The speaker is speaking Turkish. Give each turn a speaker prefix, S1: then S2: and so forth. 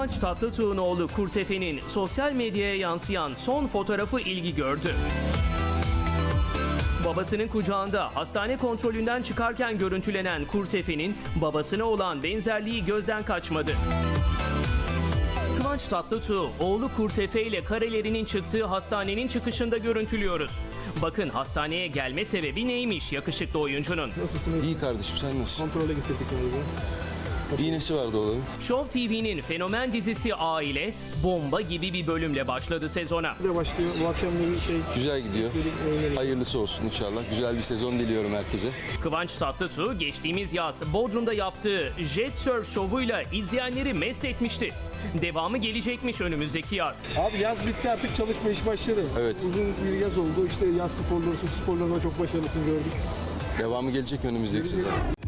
S1: Kıvanç Tatlıtuğ'un oğlu Kurtefe'nin sosyal medyaya yansıyan son fotoğrafı ilgi gördü. Babasının kucağında hastane kontrolünden çıkarken görüntülenen Kurtefe'nin babasına olan benzerliği gözden kaçmadı. Kıvanç Tatlıtuğ, oğlu Kurtefe ile karelerinin çıktığı hastanenin çıkışında görüntülüyoruz. Bakın hastaneye gelme sebebi neymiş yakışıklı oyuncunun.
S2: Nasılsınız?
S3: İyi kardeşim, sen nasılsın?
S2: Kontrole getirdik galiba.
S3: İğnesi vardı oğlanın.
S1: Show TV'nin fenomen dizisi Aile, bomba gibi bir bölümle başladı sezona.
S2: Bir de başlıyor. Bu akşam da bir şey.
S3: Güzel gidiyor. Hayırlısı olsun inşallah. Güzel bir sezon diliyorum herkese.
S1: Kıvanç Tatlıtuğ geçtiğimiz yaz Bodrum'da yaptığı Jet Surf şovuyla izleyenleri mest etmişti. Devamı gelecekmiş önümüzdeki yaz.
S2: Abi yaz bitti, artık çalışma iş başladı.
S3: Evet.
S2: Uzun bir yaz oldu. İşte yaz sporları, su sporlarında çok başarılısın gördük.
S3: Devamı gelecek önümüzdeki sezon.